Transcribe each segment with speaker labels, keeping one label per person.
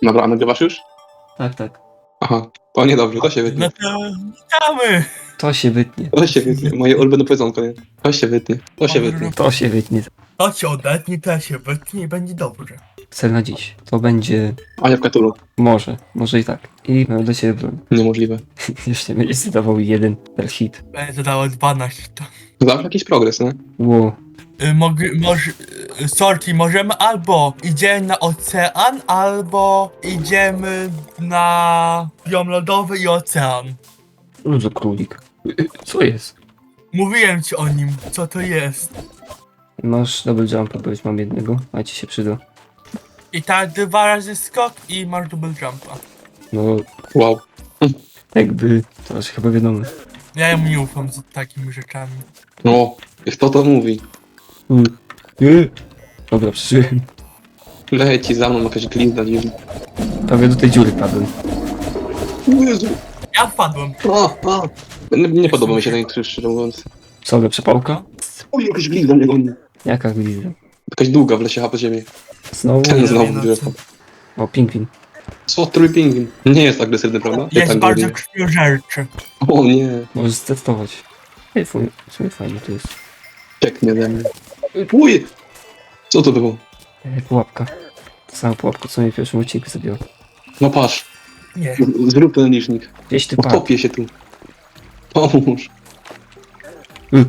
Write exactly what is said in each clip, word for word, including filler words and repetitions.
Speaker 1: Dobra, a nagrywasz już?
Speaker 2: Tak, tak.
Speaker 1: Aha, to niedobrze, to się
Speaker 3: No
Speaker 1: wytnie.
Speaker 3: to witamy!
Speaker 2: To się wytnie.
Speaker 1: To się wytnie, moje ulubione powiedzonko, nie? To się wytnie, to się wytnie.
Speaker 2: To się wytnie.
Speaker 3: To się odetnie, to się wytnie i będzie dobrze.
Speaker 2: Cel na dziś. To będzie...
Speaker 1: Ania w Katulu.
Speaker 2: Może. Może i tak. I mam do ciebie broń.
Speaker 1: Niemożliwe.
Speaker 2: Jeszcze będziesz zdawał jeden per hit.
Speaker 3: Będzie dało dwanaście. To.
Speaker 1: Zawsze jakiś progres, nie?
Speaker 2: Ło.
Speaker 3: Y, Mogę, może, y, sorki, możemy albo idziemy na ocean, albo idziemy na biom lodowy i ocean.
Speaker 2: Co za królik? Co jest?
Speaker 3: Mówiłem ci o nim, co to jest.
Speaker 2: Masz double jumpa, bo już mam jednego, a ci się przyda.
Speaker 3: I tak dwa razy skok i masz double jumpa.
Speaker 2: No,
Speaker 1: Wow.
Speaker 2: jakby... To już chyba wiadomo.
Speaker 3: Ja mu nie ufam z takimi rzeczami.
Speaker 1: No, kto to mówi?
Speaker 2: Mm. Nie. Dobra, przeżyłem.
Speaker 1: Leci za mną jakaś glizda dziwna.
Speaker 2: Prawie do tej dziury padłem.
Speaker 1: Jezu.
Speaker 3: Ja wpadłem.
Speaker 1: A, a. Nie, nie podoba mi się ten krzyż, szczerze mówiąc.
Speaker 2: Co, ale przepałka?
Speaker 1: Oj, jakaś glizda mnie goni.
Speaker 2: Jaka glizda?
Speaker 1: Jakaś długa w lesie, a po ziemi.
Speaker 2: Znowu?
Speaker 1: Ten znowu
Speaker 3: no
Speaker 1: bierze.
Speaker 3: co?
Speaker 2: O, pingwin.
Speaker 1: Co, trój pingwin? Nie jest agresywny, prawda? Jak
Speaker 3: Jest
Speaker 1: tak
Speaker 3: bardzo
Speaker 1: głodnie.
Speaker 3: krwiożerczy.
Speaker 1: O nie,
Speaker 2: Możesz testować. Ej, w sumie fajnie to jest.
Speaker 1: pięknie ze mnie. Uj! Co to było?
Speaker 2: Ej, pułapka. To sama pułapka, co mnie w pierwszym odcinku zabiła.
Speaker 1: No patrz,
Speaker 3: Nie.
Speaker 1: z- zrób ten licznik.
Speaker 2: Gdzieś ty padł.
Speaker 1: Utopię się tu. Pomóż.
Speaker 2: Y.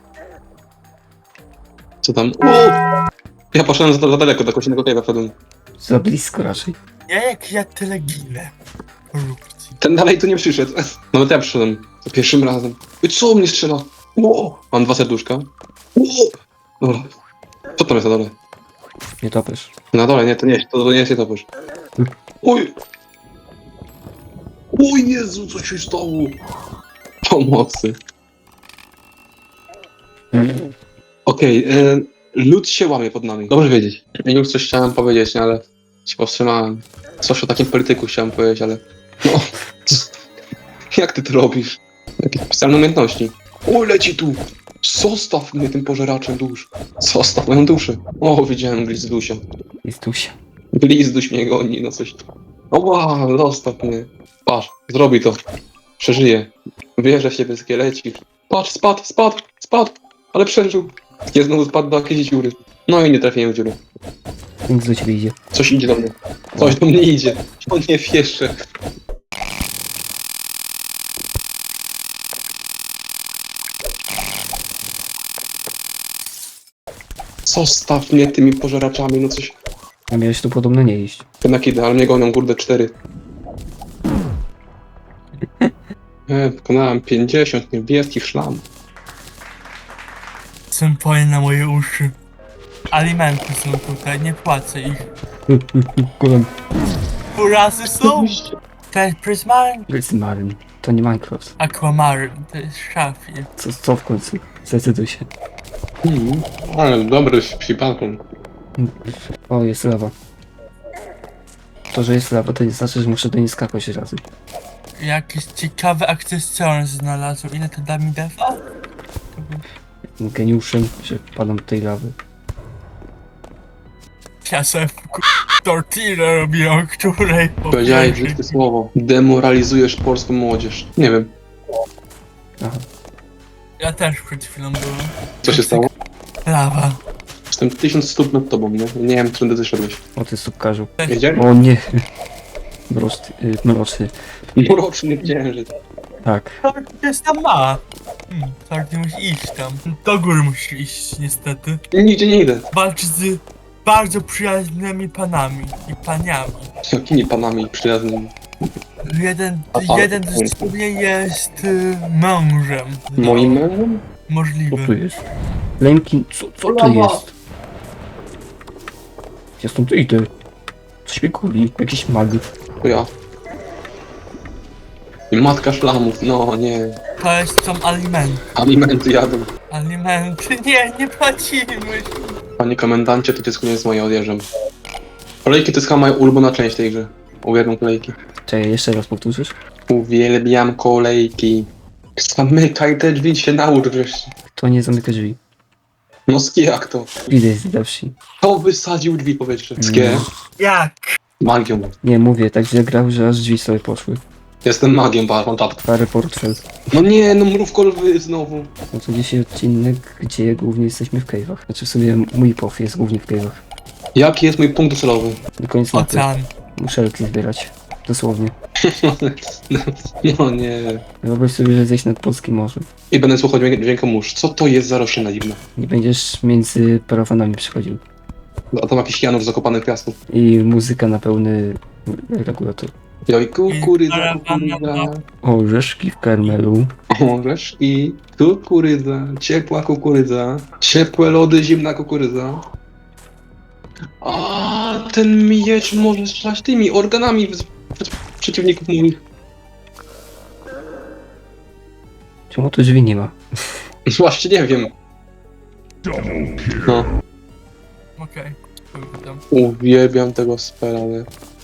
Speaker 1: Co tam? O! Ja poszedłem za, za daleko, do jakiegoś innego cave'a wszedłem.
Speaker 2: Za blisko raczej.
Speaker 3: Ja jak ja tyle ginę. Korupcji.
Speaker 1: Ten dalej tu nie przyszedł. Nawet ja przyszedłem. Za pierwszym razem. I co mnie strzela? O! Mam dwa serduszka. O! Dobra. Co tam jest na dole?
Speaker 2: Nie topesz.
Speaker 1: Na dole, nie, to nie, to, to nie jest nietoperz. Oj! O Jezu, co się stało? Pomocy. Okej, okay, lód się łamie pod nami. Dobrze wiedzieć. Ja już coś chciałem powiedzieć, nie, ale się powstrzymałem. Coś o takim polityku chciałem powiedzieć, ale... No... Jak ty to robisz? Jakieś specjalne umiejętności. O, leci tu! Zostaw mnie tym pożeraczem dusz. Zostaw moją duszę. O, widziałem glizdusia.
Speaker 2: Jest tusia.
Speaker 1: Glizduś mnie goni, no coś. O, wow, zostaw mnie. Patrz, zrobi to. Przeżyje. Wierzę w siebie, skielecik. Patrz, spadł, spadł, spadł. Ale przeżył. Nie znowu spadł do jakiejś dziury. No i nie trafiłem w dziurę.
Speaker 2: Nic do ciebie idzie.
Speaker 1: Coś idzie do mnie. Coś do mnie idzie. On nie wierzę. Zostaw mnie tymi pożeraczami, no coś.
Speaker 2: A miałeś tu podobno nie iść.
Speaker 1: Jednak idę, ale mnie gonią, kurde, cztery. E, pokonałem pięćdziesiąt niebieskich szlam.
Speaker 3: Symfonie na moje uszy. Alimenty są tutaj, nie płacę ich.
Speaker 2: Kolem.
Speaker 3: Furazy są? To jest Prismaryn?
Speaker 2: Prismaryn. To nie Minecraft.
Speaker 3: Aquamaryn, to jest Szafir.
Speaker 2: Co, co w końcu? Zdecyduj się.
Speaker 1: Mm, ale dobry psipanką.
Speaker 2: O, jest lawa. To, że jest lawa, to nie znaczy, że muszę do niej skakać razy.
Speaker 3: Jakieś ciekawe akcesoria znalazłem. Ile to da mi defa?
Speaker 2: Jestem geniuszem, że padam do tej lawy.
Speaker 3: Ja sobie tortillę robię, o której
Speaker 1: Powiedziałeś
Speaker 3: powiedzieć.
Speaker 1: brzydkie słowo. Demoralizujesz polską młodzież. Nie wiem,
Speaker 2: Aha.
Speaker 3: Ja też przed chwilą byłem.
Speaker 1: co się stało.
Speaker 3: Lawa.
Speaker 1: Jestem tysiąc stóp nad tobą, nie? Nie wiem, którędy zeszedłeś.
Speaker 2: O, ty subkarzu.
Speaker 1: Wiedziałeś?
Speaker 2: O nie. Mroczny. Y, mroczny.
Speaker 1: Mroczny księżyc.
Speaker 2: Tak.
Speaker 3: To jest tam ma. Hmm, Torty musi iść tam. Do góry musisz iść, niestety.
Speaker 1: Nigdzie nie idę.
Speaker 3: Walcz z bardzo przyjaznymi panami i paniami.
Speaker 1: Z jakimi panami przyjaznymi?
Speaker 3: Jeden,
Speaker 1: A pan-
Speaker 3: jeden z ciebie jest y, mężem.
Speaker 1: Moim
Speaker 3: No,
Speaker 1: mężem?
Speaker 2: Co
Speaker 3: Możliwe.
Speaker 2: tu jest? Lemkin, co, co to jest? Ja stąd idę. Coś mnie kuli. Jakiś mag.
Speaker 1: To ja. I matka szlamów, no nie.
Speaker 3: To jest są alimenty.
Speaker 1: Alimenty jadą.
Speaker 3: Alimenty. Nie, nie płacimy.
Speaker 1: Panie komendancie, to dziecko nie jest moje, odjeżdżam. Kolejki to jest chyba moja ulubiona część tej gry. Uwielbiam kolejki.
Speaker 2: Czekaj, jeszcze raz powtórzysz?
Speaker 1: Uwielbiam kolejki. Zamykaj te drzwi, się naucz wreszcie.
Speaker 2: To nie zamyka drzwi.
Speaker 1: No skie jak to?
Speaker 2: Widać z wsi.
Speaker 1: Kto wysadził drzwi powietrze? Skie?
Speaker 2: Mm.
Speaker 3: Jak?
Speaker 1: Magią.
Speaker 2: Nie, mówię, tak źle grał, że aż drzwi sobie poszły.
Speaker 1: Jestem magiem, patrz, mam czapkę.
Speaker 2: Parę portfel.
Speaker 1: No nie, no mrówko lwy znowu.
Speaker 2: No to dzisiaj odcinek, gdzie głównie jesteśmy w cave'ach. Znaczy w sobie mój pow jest głównie w cave'ach.
Speaker 1: Jaki jest mój punkt docelowy?
Speaker 2: Do końca mapy.
Speaker 3: Ocean.
Speaker 2: Muszelki zbierać. Dosłownie.
Speaker 1: No nie.
Speaker 2: Wyobraź sobie, że zejść nad polskim morzem.
Speaker 1: I będę słuchał dźwięk- dźwięku mórz. Co to jest za roślina dziwna?
Speaker 2: Nie będziesz między parawanami przechodził.
Speaker 1: A tam jakiś Janur zakopany w piasku.
Speaker 2: I muzyka na pełny regulator.
Speaker 1: Joj, kukurydza, kukurydza.
Speaker 2: Orzeszki w karmelu.
Speaker 1: Orzeszki, kukurydza, ciepła kukurydza. Ciepłe lody, zimna kukurydza. A ten miecz może strzelać tymi organami w- przed- przeciwników moich.
Speaker 2: Czemu tu drzwi nie ma?
Speaker 1: Właśnie nie wiem. No,
Speaker 3: Okej. Okay.
Speaker 1: uwielbiam tego spela, nie?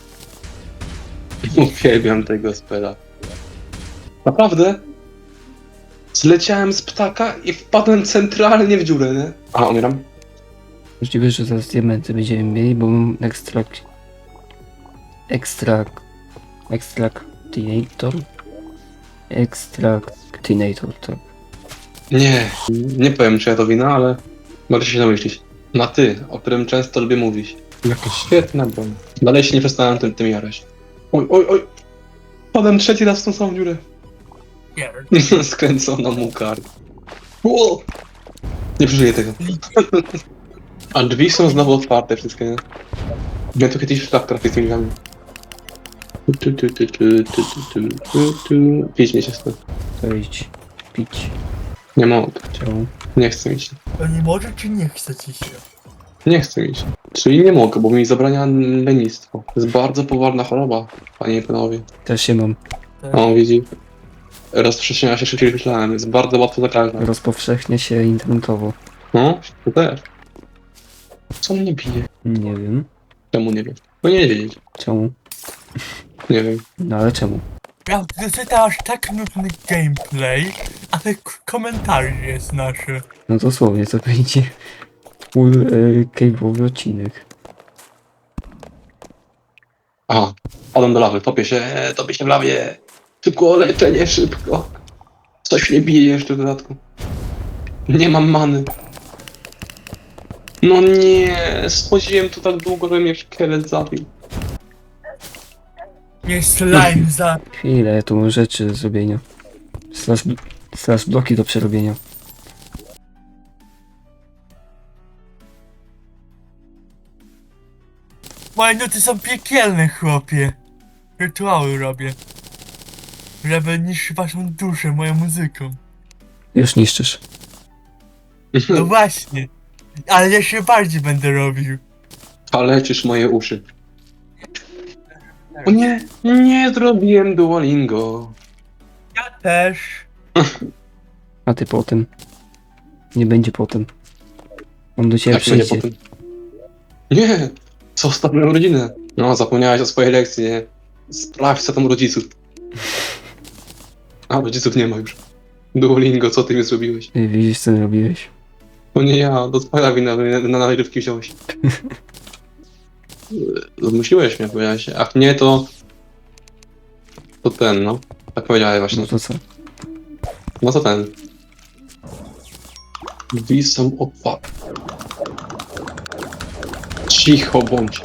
Speaker 1: Uwielbiam tego spela. Naprawdę? Zleciałem z ptaka i wpadłem centralnie w dziurę, nie? A, umieram?
Speaker 2: Możliwe, że zaraz diamenty będziemy mieli, bo mam ekstrakt... Ekstrakt... Ekstraktinator? Ekstraktinator, tak.
Speaker 1: Nie, nie powiem czy ja to wina, ale możecie się domyślić. Na ty, o którym często lubię mówić. Jaka świetna broń. Dalej się nie przestałem tym, tym jarać. Oj, oj, oj! Padłem trzeci raz w tą samą dziurę. Skręcona mu kark. Ło! Nie przeżyję tego. A drzwi są znowu otwarte wszystkie, nie? Miałem tu kiedyś szlak trafić z tymi drzwiami. Tu, tu, tu, tu, tu, tu, tu, tu, tu. Pić nie się stąd.
Speaker 2: To idź. Pić.
Speaker 1: Nie mogę.
Speaker 2: Czemu?
Speaker 1: Nie chcę mieć.
Speaker 3: To nie może czy nie chce ci się?
Speaker 1: Nie chcę mieć. Czyli nie mogę, bo mi zabrania lenistwo. To jest bardzo poważna choroba, panie i panowie.
Speaker 2: Też się mam.
Speaker 1: O, widzi. Rozprzestrzenia się szybciej niż myślałem. Jest bardzo łatwo zakaźna.
Speaker 2: Rozpowszechnia się internetowo.
Speaker 1: No, to też. Co mnie bije?
Speaker 2: Nie wiem.
Speaker 1: Czemu nie wiem? No nie wiedzieć.
Speaker 2: Czemu?
Speaker 1: Nie wiem.
Speaker 2: No ale czemu?
Speaker 3: Ja czytasz tak nudny gameplay, ale k- komentarz jest naszy.
Speaker 2: No dosłownie, to będzie full e, cave'owy odcinek.
Speaker 1: Aha. Padam do lawy. Topię się, topię się w lawie. Szybko, leczenie, szybko. Coś mnie bije jeszcze w dodatku. Nie mam many. No nie, schodziłem tu tak długo, że mnie szkielet zabił.
Speaker 3: Nie slime za...
Speaker 2: Chwilę, ja tu mam rzeczy do zrobienia. Slash, slash bloki do przerobienia.
Speaker 3: Moje nuty są piekielne, chłopie. Rytuały robię. Żeby niszczyć waszą duszę moją muzyką.
Speaker 2: Już niszczysz.
Speaker 3: No właśnie. Ale jeszcze bardziej będę robił.
Speaker 1: Kaleczysz moje uszy. O nie, nie zrobiłem Duolingo.
Speaker 3: Ja też.
Speaker 2: A ty potem. Nie będzie potem. On do ciebie
Speaker 1: Jak będzie
Speaker 2: przyjdzie.
Speaker 1: potem? Nie, zostaw moją rodzinę. No, zapomniałeś o swojej lekcji, nie? Sprawdź co tam u rodziców. A, rodziców nie ma już. Duolingo, co ty mi zrobiłeś?
Speaker 2: Ty widzisz co robiłeś.
Speaker 1: To nie ja, to twoja wina, że na, na nagrywki wziąłeś. Zmusiłeś mnie, powiedziałeś. A nie, to... To ten, no. Tak powiedziałeś właśnie.
Speaker 2: No to co?
Speaker 1: No to ten. Drzwi są otwarte. Cicho bądź.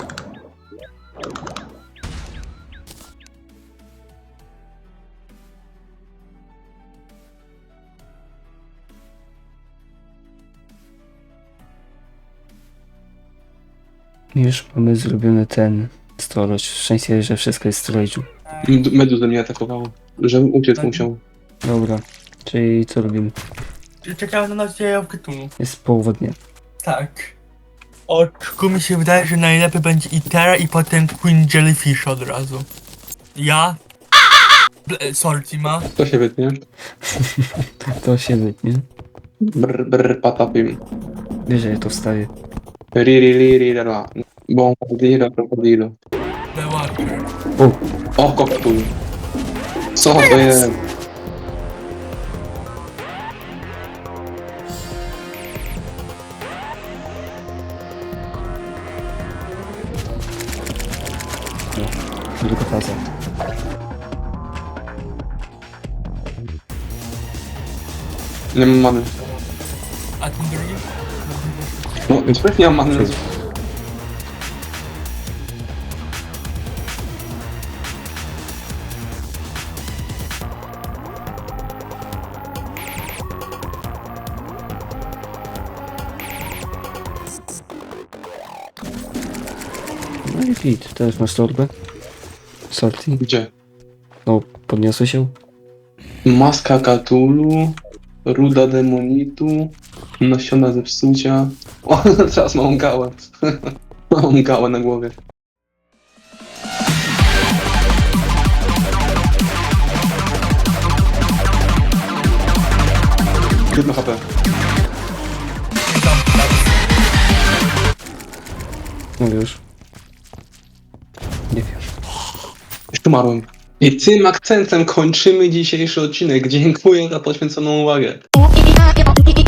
Speaker 2: Już mamy zrobiony ten storage. W sensie, że wszystko jest w storage'u.
Speaker 1: M- Meduza mnie atakowało. Żebym uciec musiał.
Speaker 2: Dobra. Czyli co robimy?
Speaker 3: Czekałem na nadzieję w Cthulhu.
Speaker 2: Jest połowa dnia.
Speaker 3: Tak. Oczku mi się wydaje, że najlepiej będzie Itera i potem Queen Jellyfish od razu. Ja? Ble- Sorry, ma.
Speaker 1: To się wytnie.
Speaker 2: To się wytnie.
Speaker 1: Brr, brr, patapim.
Speaker 2: Wiesz, że ja to wstawię.
Speaker 1: Ri, ri, ri, ri, ra, ra. Bombardiro, krokodilo.
Speaker 3: The Watcher.
Speaker 2: O!
Speaker 1: O, koktul. Co to jest?
Speaker 2: Dobra. Druga faza.
Speaker 1: Nie mam many.
Speaker 3: A ten drugi?
Speaker 1: No, więc też nie mam many.
Speaker 2: Cześć. No i fit, teraz masz torbę. Salty.
Speaker 1: Gdzie?
Speaker 2: No, podniosły się.
Speaker 1: Maska Cthulhu, ruda demonitu, nasiona zepsucia. O, teraz mam gałę. Mam gałę na głowie. Jedno H P.
Speaker 2: No już. Nie wiem.
Speaker 1: Już umarłem. I tym akcentem kończymy dzisiejszy odcinek. Dziękuję za poświęconą uwagę.
Speaker 4: Oh,